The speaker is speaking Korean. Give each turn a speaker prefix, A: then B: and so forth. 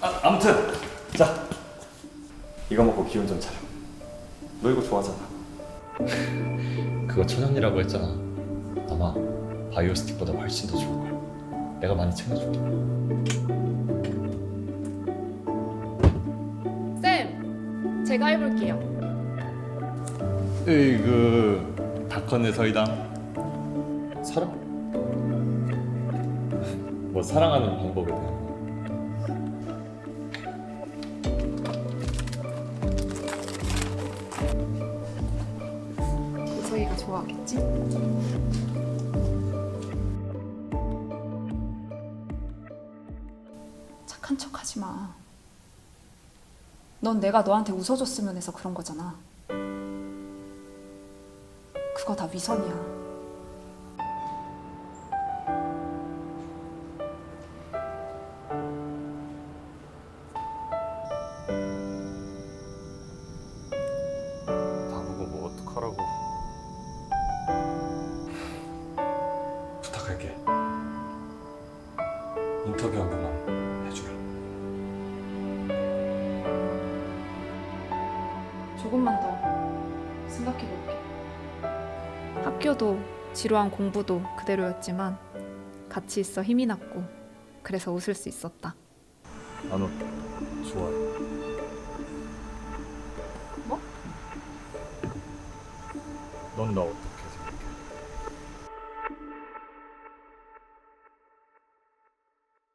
A: 아무튼 자, 이거 먹고 기운 좀 차려. 너 이거 좋아하잖아.
B: 그거 천연이라고 했잖아. 아마 바이오 스틱보다 훨씬 더 좋을걸. 내가 많이 챙겨줄게.
C: 쌤, 제가 해볼게요.
B: 으이그 다컨의 서이다. 사랑? 뭐 사랑하는 방법에 대한 거.
C: 이서희가 좋아하겠지? 착한 척 하지 마. 넌 내가 너한테 웃어줬으면 해서 그런 거잖아. 그거 다 위선이야.
B: 나보고 뭐 어떡하라고. 부탁할게. 인터뷰 한 번만 해주라.
C: 조금만 더 생각해볼게. 학교도 지루한 공부도 그대로였지만 같이 있어 힘이 났고 그래서 웃을 수 있었다.
B: 나너 좋아해.
C: 뭐?
B: 넌 나 어때?